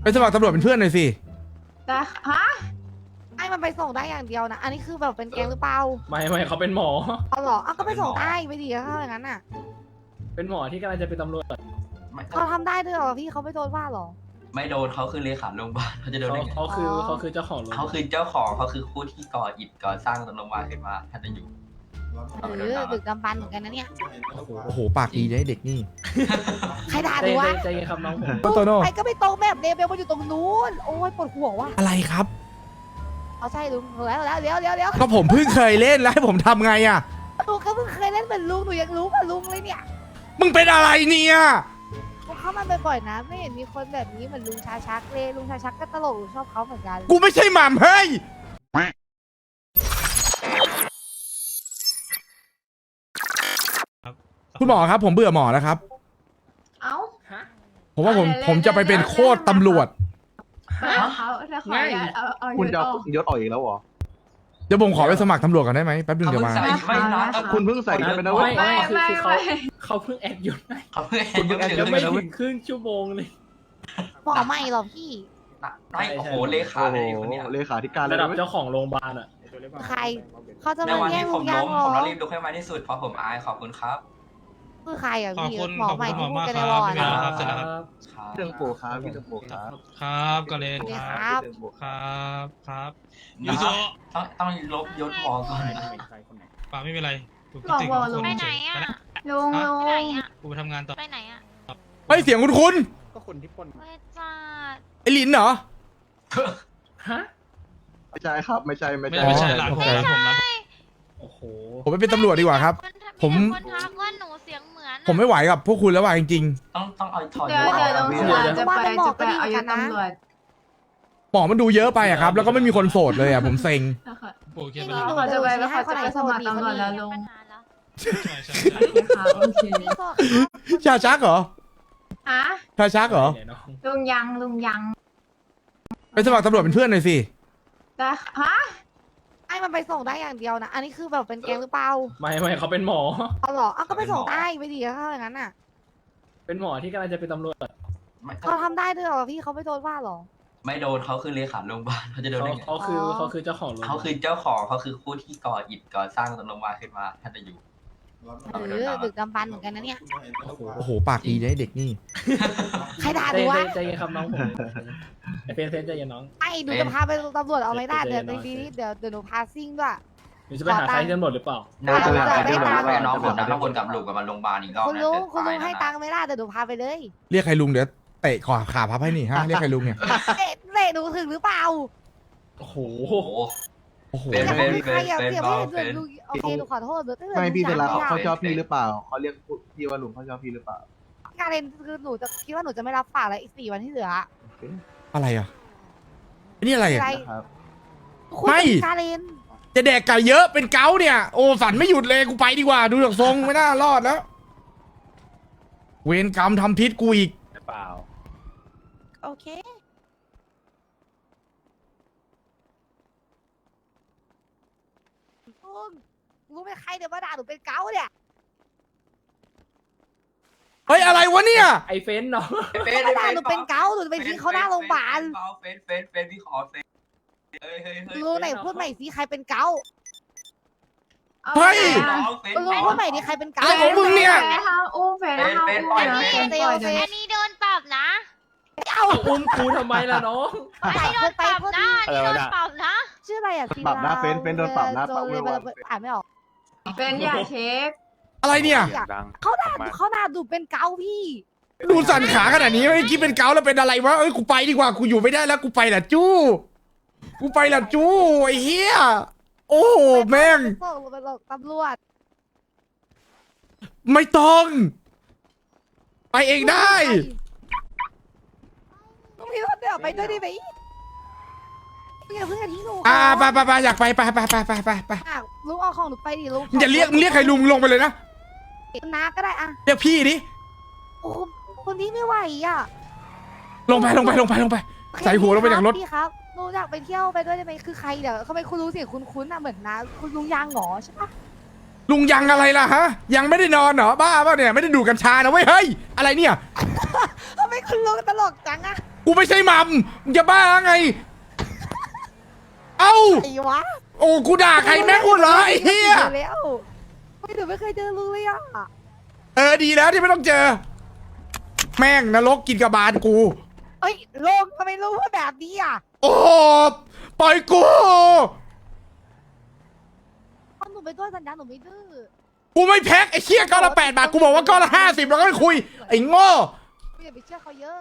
สมัครตำรวจเป็นเพื่อนหน่อยสิแต่ฮะให้มันไปส่งได้อย่างเดียวนะ อันนี้คือแบบเป็นแกงหรือเปล่าไม่เขาเป็นหมอเอาเหรอเอาก็ไปส่งได้ไปดีถ้าอย่างนั้นอ่ะเป็นหมอที่กำลังจะเป็นตำรวจเขาทำได้ด้วยเหรอพี่เขาไม่โดนว่าเหรอไม่โดนเขาคือเลขาโรงพยาบาลเขาจะโดนได้ไงเขาคือเจ้าของรถเขาคือเจ้าของเขาคือผู้ที่ก่ออิฐก่อสร้างโรงพยาบาลขึ้นมาท่านจะอยู่ดึกดำบรรพ์เหมือนกันนะเนี่ยโอ้โหปากดีได้เด็กนี่ใครด่าใจหนูวะใจเย็นครับน้องผมโตโน่ไปก็ไม่ตรงแบบเลเบลมันอยู่ตรงนู้น โอ้ยปวดหัวว่ะอะไรครับเอาใช่ลุงแล้วเดี๋ยวก็ผมเพิ่งเคยเล่นแล้วให้ผมทำไงอ่ะลุงก็เพิ่งเคยเล่นเหมือนลุงหนูยังรู้กับลุงเลยเนี่ยมึงเป็นอะไรเนี่ยผมเข้ามาบ่อยๆนะ ไม่เห็นมีคนแบบนี้เหมือนลุงชาชักเลยลุงชาชักก็ตลกหนูชอบเขาเหมือนกันกูไม่ใช่หม่ำเฮ้ยคุณหมอครับ ผมเบื่อหมอแล้วครับเอ้าผมว่าผมจะไปเป็นโคตรตำรวจเขาถ้าขออนุญาตเอาคุณจะยศเอาออกยศออกอีกแล้วเหรอเดี๋ยวผมขอไปสมัครตำรวจกันได้ไหมแป๊บนึงเขาเดี๋ยวเพิ่งมาใส่ไม่ร้ายคุณเพิ่งใส่กันไปนะเว้ยไม่คือเขาเพิ่งแอดยศให้เขาเพิ่งคุณเพิ่งแอดยังไม่ถึงครึ่งชั่วโมงเลยหมอใหม่เหรอพี่ไม่โอ้โหเลขาโอ้เลยโหคนเนี้ยเลขาธิการเลยระดับเว้ยเจ้าของโรงพยาบาลอ่ะใครเขาจะในมาวันแย่งที่ลุผงมยัล้งมเหรผมต้องอรีบลุกให้ไวที่สุดเพราะผมอายขอบคุณครับคือใครอ่ะขอบพี่คุณหมอขอบใหม่คุณหมที่อพูดมากกันคในรัวบอร์ไม่ดมีอะอะไรครับเสร็จแล้วครับพี่เติมโปครับพี่เติมโปครับครับกาเลนเลยคครับ รับครับครับนะยูโซต้องลบยศหมอก่อนนะป่าไม่เป็นไรกูบอกติดบอกคลุงนไปเฉไหนยอ่ะลุงลุงไปไหนอ่ะกูไปทำงานต่อไปไหนอ่ะเฮ้ยเสียงคุณก็คนที่ปนเวจ้าไอ้ลินเหรอฮะไม่ใช่ครับไม่ใช่ไม่ใช่ร้านผมร้านผมร้านโอ้โหผมไปเป็นตำรวจดีกว่าครับ ผมคนทักว่าหนูเสียงเหมือนผมไม่ไหวกับพวกคุณแล้วว่ะจริงต้องเอาถอดเดี๋ยยวศอเดี๋อยวกลุงนะจะไปเอายศตำรวจๆหมอมันดูเยอะไปอะครับ แล้วก็ไม่มีคนโสดเลยอะผมเซ็งนะคะโอเคไปนี่แล้วหนูเขาจะไปแล้วเขาจะไปสมัครตำรวจแล้วลุงใช่ใช่ค่ะโอเคพี่ก็ชาชักเหรอฮะชาชักเหรอเนี่ยน้องลุงยังไปสมัครตำรวจเป็นเพื่อนหน่อยสิแต่ฮะให้มันไปส่งได้อย่างเดียวนะ อันนี้คือแบบเป็นแกงหรือเปล่าไม่เขาเป็นหมอเอาเหรอเอาก็ไปส่งได้ไปดีถ้าอย่างนั้นอ่ะเป็นหมอที่กำลังจะเป็นตำรวจเขาทำได้ด้วยเหรอพี่เขาไม่โดนว่าเหรอไม่โดนเขาคือเลขาโรงพยาบาลเขาจะโดนได้ไงเขาคือเจ้าของรถเขาคือเจ้าของเขาคือผู้ที่ก่ออิฐก่อสร้างโรงพยาบาลขึ้นมาท่านจะอยู่ดึกดำบรรพ์เหมือนกันนะเนี่ยโอ้โหปากดีได้เด็กนี่ใครด่าหนูวะใจเย็นครับน้องผมไอเฟนใจเย็นน้องไอ้หนูจะพาไปตำรวจเอาไม่ได้เดี๋ยวในปีนี้เดี๋ยวหนูพาซิ่งด้วยหนูจะไปหาใครที่ตำรวจหรือเปล่าน่าจะไปน้องผมนะถ้าวนกลับลูกกับมันโรงพยาบาลอีกรอบคุณลุงให้ตังค์ไม่ได้เดี๋ยวหนูพาไปเลยเรียกใครลุงเดี๋ยวเตะขาพับให้นี่ฮะเรียกใครลุงเนี่ยเตะหนูถึงหรือเปล่าโอ้โหโอ้โหโอ้โหแต่เป็นใครอย่าเป็นเสียไม่เห็นเป็นลุงโอเคหนูขอโทษหนูตั้งแต่ไม่พี่เวลาเขาชอบเป็นพี่หรือเปล่าเขาเรียกพี่ว่าลุงเขาชอบพี่หรือเปล่าการเรียนคือหนูจะคิดว่าหนูจะไม่รับฝากแล้วอีก4 วันที่เหลืออะไรอ่ะอันนี่อะไรอ่ะครับไม่การเรียนจะแดกไก่เยอะเป็นเกาต์เนี่ย โอ้ฝันไม่หยุดเลยกูไปดีกว่าดูจากทรงไม่น่ารอดแล้ว เวรกรรมทำพิษกูอีกเปล่าโอเคลุงรู้ไหมใครเดี๋ยวมาด่าหนูเป็นเกาเนี่ยเฮ้ยอะไรวะเนี่ยไอเฟนเนาะมาด่าหนูเป็นเกาหนูจะไปทิ้งเขาหน้าโรงพยาบาลเฟนพี่ขอเฟนเฮ้ยลุงไหนพูดใหม่สิใครเป็นเกาเฮ้ยลุงพูดใหม่ดิใครเป็นเกาอะไรของมึงเนี่ยห้ามอุ้มเฟนห้ามอุ้มนะเฟนปล่อยเดี๋ยวอันนี้โดนปรับนะเอาอุ้มกูทำไมล่ะน้องอันนี้โดนปรับนะอันนี้โดนปรับนะชื่ออะไรอ่ะปรับหน้าเฟนโดนปรับหน้าปรับเลยอ่านไม่ออกเฟนอย่าเช็คอะไรเนี่ยเขาด่าดูเป็นเกาพี่ดูสั่นขาขนาดนี้ไม่คิดเป็นเกาต์แล้วเป็นอะไรวะเอ้ยกูไปดีกว่ากูอยู่ไม่ได้แล้วกูไปละจู้กูไปละจู้ไอ้เหี้ยโอ้โหแม่งส่งไปหลอกตำรวจไม่ต้อง ไปเองได้ลุงพี่รถเดี๋ยวไปด้วยได้ไหมอย่าเพิ่งทิ้งหนูไปอยากไปไปลุงเอาของหนูไปดิลุงมึงอย่าเรียกใครลุงลงไปเลยนะน้าก็ได้อ่ะเรียกพี่ดิโอ้คนนี้ไม่ไหวอ่ะลงไปใส่หัวลงไปจากรถพี่ครับหนูอยากไปเที่ยวไปด้วยได้ไหมคือใครเดี๋ยวเขาไม่คุณรู้เสียงคุ้นๆอ่ะเหมือนนะคุณลุงยางหงอใช่ปะลุงยังอะไรล่ะฮะ ยังไม่ได้นอนเหรอบ้าเปล่าเนี่ยไม่ได้ดูดกัญชานะเว้ยเฮ้ยอะไรเนี่ยทำไมคุณลุงตลกจังอ่ะกกูไม่ใช่มัมมึงจะบ้าไง เอ้าไอ้วะโอ้กูด่าใครแม่งกูเหรอไอ้เหี้ยแล้วไม่หนูไม่เคยเจอลุงเลยอ่ะดีแล้วที่ไม่ต้องเจอ แม่งนรกกินกระบาลกูเอ้ยลุงทำไมลุงพูดแบบนี้อ่ะโอ้โหปล่อยกูเพราะหนูไปด้วยสัญญาหนูไม่ดื้อกูไม่แพ็คไอ้เชี่ยก้อนละ8 บาทกูบอกว่าก้อนละ50แล้วก็ไม่คุยไอ้โง่อย่าไปเชื่อเขาเยอะ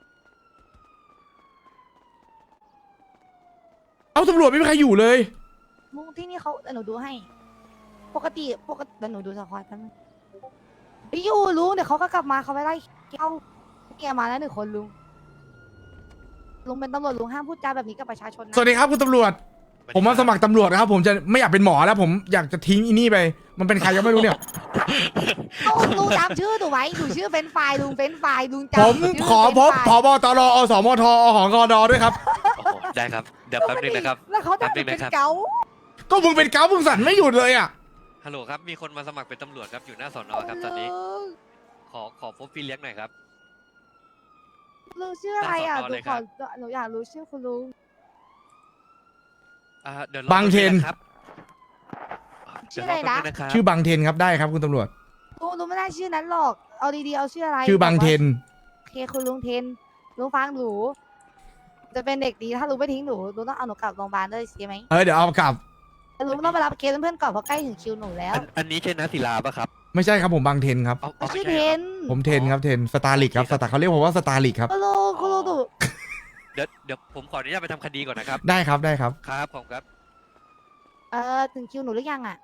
เอาตำรวจไม่มีใครอยู่เลยลุงที่นี่เขาเดี๋ยวหนูดูให้ ปกติเดี๋ยวหนูดูสควอตกันพี่อยู่ลุงเดี๋ยวเขาก็กลับมาเขาไปไล่เข้าเกียร์มาแล้ว1 คนลุงเป็นตำรวจลุงห้ามพูดจาแบบนี้กับประชาชนนะสวัสดีครับคุณตำรวจ ผมมาสมัครตำรวจนะครับผมจะไม่อยากเป็นหมอแล้วผมอยากจะทิ้งอีนี่ไป มันเป็นใครก็ไม่รู้เนี่ยลุงจำชื่อหนูไว้หนูชื่อเฟนไฟลุงเฟนไฟลุงจำผมชื่ขอพบเฟรนช์ผฟรายบตรอสมทอหกดด้วยครับโอ้โหได้ครับ เดี๋ยวแป๊บนึงนะครับแล้วเขาจะเป็นแป๊บนึงนะครับเกาก็มึงเป็นเกามึงสั่นไม่หยุดเลยอ่ะฮัลโหลครับ มีคนมาสมัครเป็นตำรวจครับ อยู่หน้าสอนอครับตอนนี้ ขอพบพี่เลี้ยงหน่อยครับลุงชื่ออะไรอ่ะตามสอนอเลยครับหนูอยากรู้ชื่อคุณลุงเดี๋ยวบางเทนครับชื่ออะไรนะเดี๋ยวรอแป๊บงนะครับชื่อบางเทนครับได้ครับคุณตำรวจลุงไม่ได้ชื่อนั้นหรอก เอาดีๆเอาชื่ออะไรชื่อบางเทนโอเคคุณลุงเทนลุงฟังหนู จะเป็นเด็กดีถ้าลุงไม่ทิ้งหนูลุงต้องเอาหนูกลับโรงพยาบาลด้วยใช่ไหมเดี๋ยวเอากลับแต่ลุงต้องไปรับเคสเพื่อนๆก่อนเพราะใกล้ถึงคิวหนูแล้วอันนี้ใช่นะศิลาปะครับไม่ใช่ครับผมบางเทนครับเอาชื่อไม่เทใช่หรนผมเทนครับเทนสตาร์ลิกครับสตาร์เขาเรียกผมว่าสตาร์ลิกครับคุณลุงหนูเดี๋ยวผมขออนุญาตไปทำคดีก่อนนะครับได้ครับได้ครับครับผมครับถึงคิวหนูหรือยังอ่ะ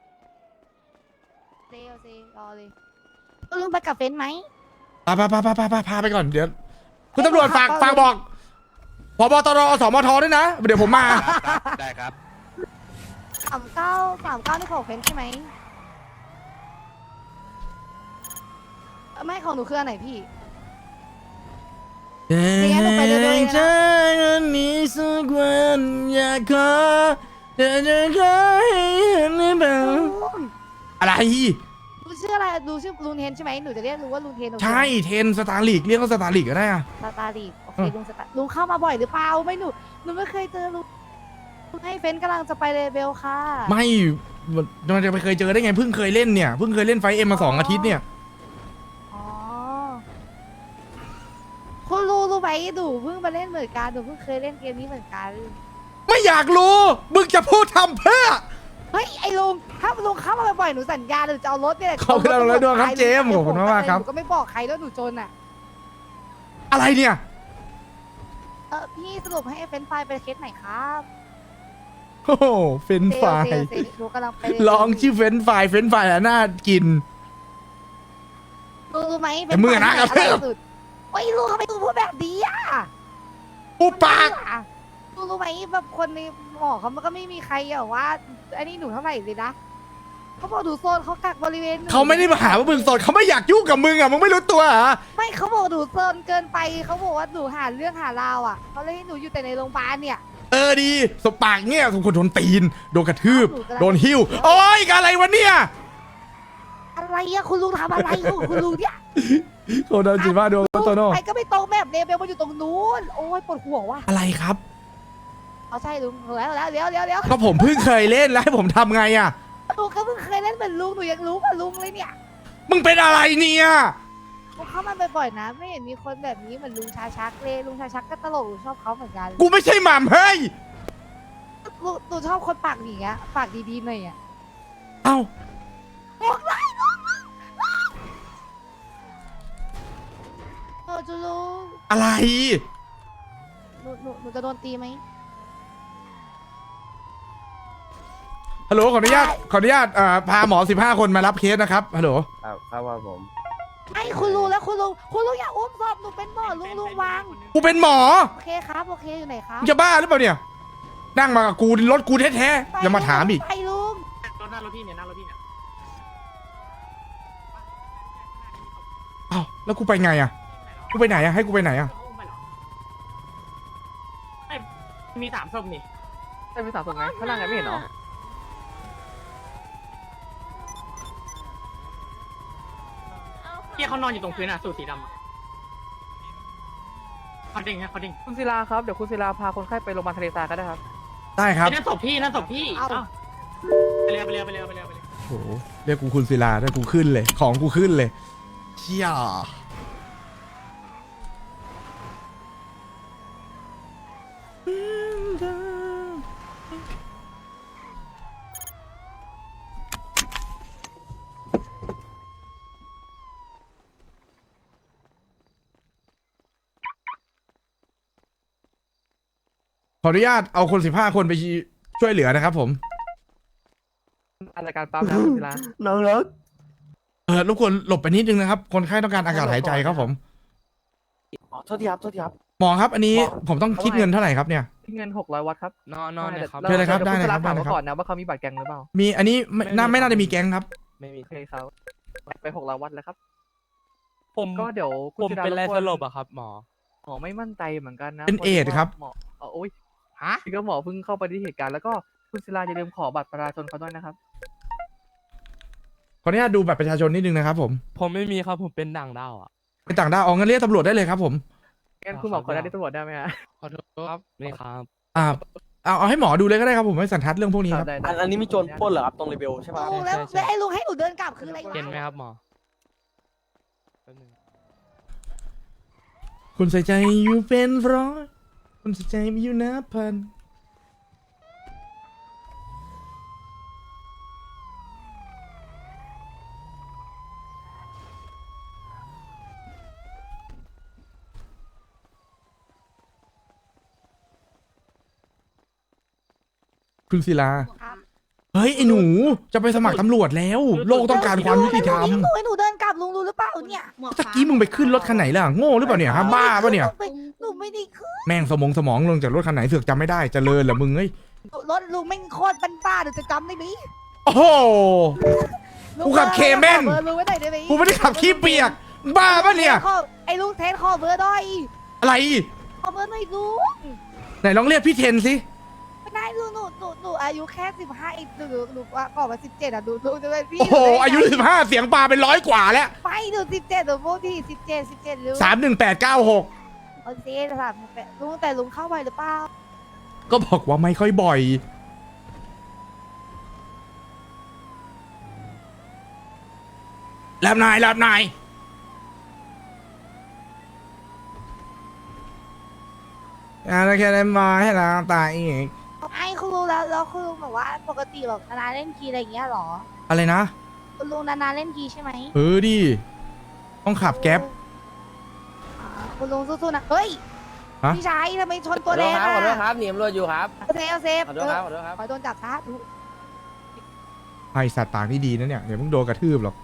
เซรอเลยลุงไปกับเฟนไหมพาไปก่อนเดี๋ยวคุณตำรวจฝากบอกผบตรสมทด้วยนะ เดี๋ยวผมมาครับได้ครับ 39นี่ของเฟนใช่ไหมไม่ของหนูคืออันไหนพี่ งั้นหนูไปเรื่อยๆนะเธอนี้สักวันอยากขอเธอจะขอให้เห็นได้บ้างอะไรลุงชื่ออะไรลุงชื่อลุงเทนใช่ไหมหนูจะเรียกลุงว่าลุงเทนใช่เทนสตาร์ลิกเรียกว่าสตาร์ลิกก็ได้อะสตาร์ลีโอเคลุงสตาร์ลุงเข้ามาบ่อยหรือเปล่าไม่หนูไม่เคยเจอลุงให้เฟนกำลังจะไปเลเบลค่ะไม่มันจะไปเคยเจอได้ไงเพิ่งเคยเล่นเนี่ยเพิ่งเคยเล่นไฟเอ็มมา2 อาทิตย์เนี่ยอ๋อคุณรู้ไหมหนูเพิ่งมาเล่นเหมือนกันหนูเพิ่งเคยเล่นเกมนี้เหมือนกันไม่อยากรู้มึงจะพูดทำเพื่อเฮ้ยไอ้ลุงถ้าลุงเข้ามาบ่อยๆหนูสัญญาหนูจะเอารถเนี่ยขอบคุณเราเลยด้วยครับเจมส์ขอบคุณมากๆครับหนูก็ไม่บอกใครแล้วหนูจนอ่ะอะไรเนี่ยพี่สรุปให้เฟนไฟล์เป็นเคสไหนครับโอ้โหเฟรนช์ฟรายเซลหนูกำลังไปลองชื่อเฟรนช์ฟรายอะน่ากินรู้ไหมแต่มึงอะนะเฟรนช์ฟรายอร่อยสุดโอ้ยลุงทำไมลุงพูดแบบนี้อ่ะอุปากรู้ไหมแบบคนในหมอเขามันก็ไม่มีใครอะว่าอันนี้หนูเท่าไหร่เลยนะเขาบอกหนูโซนเขากักบริเวณหนูเขาไม่ได้มาหาว่ามึงสดเขาไม่อยากยุ่งกับมึงอ่ะมึงไม่รู้ตัวเหรอไม่เขาบอกหนูโซนเกินไปเขาบอกว่าหนูหาเรื่องหาราวอ่ะเขาเลยให้หนูอยู่แต่ในโรงพยาบาลเนี่ยดีสบปากเนี่ยสมควรโดนตีนโดนกระทืบโดนหิ้วโอ้ยอะไรวะเนี่ยอะไรอะคุณลุงทำอะไรอยู่คุณลุงเนี่ยโคโดนจิบ้าโดนโตโน่ไปก็ไม่ตรงแบบเลเบลมันอยู่ตรงนู้นโอ้ยปวดหัวว่ะอะไรครับเอาใช่ลุงแล้วเดี๋ยวก็ผมเพิ่งเคยเล่นแล้วให้ผมทำไงอ่ะลุงก็เพิ่งเคยเล่นเหมือนลุงหนูยังรู้กับลุงเลยเนี่ยมึงเป็นอะไรเนี่ยลุงเข้ามาบ่อยๆนะ ไม่เห็นมีคนแบบนี้เหมือนลุงชาชักเลยลุงชาชักก็ตลกหนูชอบเขาเหมือนกันกูไม่ใช่หม่ำเฮ้ยหนูชอบคนปากอย่างเงี้ยปากดีๆหน่อยอ่ะเอ้าจูลุงอะไรหนูจะโดนตีไหมฮัลโหลขออนุญาตพาหมอ15 คนมารับเคสนะครับฮัลโหลครับว่าผมไอ้คุณลุงแล้วคุณลุงอย่าอุ้มศพหนูเป็นหมอลุงวางกูเป็นหมอโอเคครับโอเคอยู่ไหนครับมึงจะบ้าหรือเปล่าเนี่ย นั่งมากับกูรถกูแท้ๆอย่ามาถามอีกไปลุงรถพี่เนี่ยนั่งรถพี่เนี่ยอ้าวแล้วกูไปไงอ่ะกูไปไหนอ่ะให้กูไปไหนอ่ะมี3 ศพนี่มี3 ศพไงข้างล่างไงไม่เห็นเหรอเฮียเขานอนอยู่ตรงพื้นอ่ะสูทสีดำอะเขาดิ่งฮะเขาดิ่งคุณศิลาครับเดี๋ยวคุณศิลาพาคนไข้ไปโรงพยาบาลทะเลทรายก็ได้ครับได้ครับนั่นศพพี่นั่นศพพี่เอ้าไปเร็วไปเร็วไปเร็วไปเร็วไปเร็วโอ้โหเรียกกูคุณศิลาได้กูขึ้นเลย ของกูขึ้นเลยเชี่ยขออนุญาตเอาคน15 คนไปช่วยเหลือนะครับผมรายการปั๊มนะคุณศิลาน้องรักรบกวนหลบไปนิดนึงนะครับ คนไข้ต้องการอากาศหายใจครับผมโทษทีครับโทษทีครับหมอครับ อันนี้ผมต้องคิดเงินเท่าไหร่ครับเนี่ยเงิน600 วัตต์ครับนอนเลยครับเชิญเลยครับดี๋วได้เลยครับณศิาถามได้เลยครับเขาก่อนนะว่าเขามีบัตรแกงหรือเปล่ามีอันนี้ไม่น่าจะมีแก๊งครับไม่มีโอเคครับไป600 วัตต์แล้วครับผมก็เดี๋ยวคุณผมศิลาเป็นอะไรบกวสลบอะครับหมอหมอไม่มั่นใจเหมือนกันนะเป็นเอดส์ครับหมอโอ้ยฮะก็หมอเพิ่งเข้าไปที่เหตุการณ์แล้วก็คุณศิลาอย่าลืมขอบัตรประชาชนเขาด้วยนะครับขออนุญาตดูบัตรประชาชนนิดนึงนะครับผมผมไม่มีครับผมเป็นด่างดาวอะเป็นต่างด้าวเอางั้นเรียกตำรวจได้เลยครับผมงั้นคุณหมอขอได้ที่ตำรวจได้ไหมฮะขอโทษครับนี่ครับเอาให้หมอดูเลยก็ได้ครับผมไม่สันทัดเรื่องพวกนี้ครับได้อันนี้มีโจรปล้นเหรอครับตรงรีเบลใช่ปะลุงแล้วแล้วไอ้ลุงให้หนูเดินกลับคืออะไรวะเห็นไหมครับหมอแป๊บนึงคุณใส่ใจอยู่เป็นร้อยคุณใส่ใจมีอยู่นับพันคุณศิลาครับเฮ้ยไอ้หนูจะไปสมัครตำรวจแล้ว โลกต้องการความยุติธรรมลุงให้หนูเดินกลับลุงรู้หรือเปล่าเนี่ยตะกี้มึงไปขึ้นรถคันไหนล่ะโง่หรือเปล่าเนี่ยฮะบ้าปะเนี่ยหนูไม่ได้ขึ้นแม่งสมองลงจากรถคันไหนเสือกจำไม่ได้เจริญเหรอมึงเอ้ยรถลุงไม่งโคตรบ้าๆหนูจะจำได้ไหมโอ้โห กูขับเคแม่นขอเบอร์ลุงไว้หน่อยได้ไหมกูไม่ได้ขับขี้เปียกบ้าปะเนี่ยไอ้ลุงเทนขอเบอร์หน่อยอะไรขอเบอร์หน่อยลุงไหนลองเรียกพี่เทนสิไม่ได้ลุงหนูอายุแค่15อีกหนูว่าก่อนมา17อ่ะดูจะเป็นพี่โอ้โหอายุ15เสียงปลาเป็น100 กว่าแล้วไม่หนู17หนูพูดที่17ลุง 31896 โอเค3ลุงแต่ลุงเข้าไปหรือเปล่าก็บอกว่าไม่ค่อยบ่อยรับนายแล้วแค่ได้มาให้เราตายอีกไอ้คุณลุงแล้วคุณลุงแบบว่าปกติแบบนานๆเล่นกีอะไรอย่างเงี้ยหรออะไรนะคุณลุงนานๆเล่นกีใช่ไหมดิต้องขับแก๊ปคุณลุงสู้ๆนะเฮ้ยฮะพี่ชายทำไมชนตัวแดงขอโทษอ่ะครับหนีตำรวจอยู่ครับเอาเซฟขอโทษครับขอโทษครับขอโดนจับซะไอสัตว์ปากนี่ดีนะเนี่ยเดี๋ยวมึงโดนกระทืบหรอก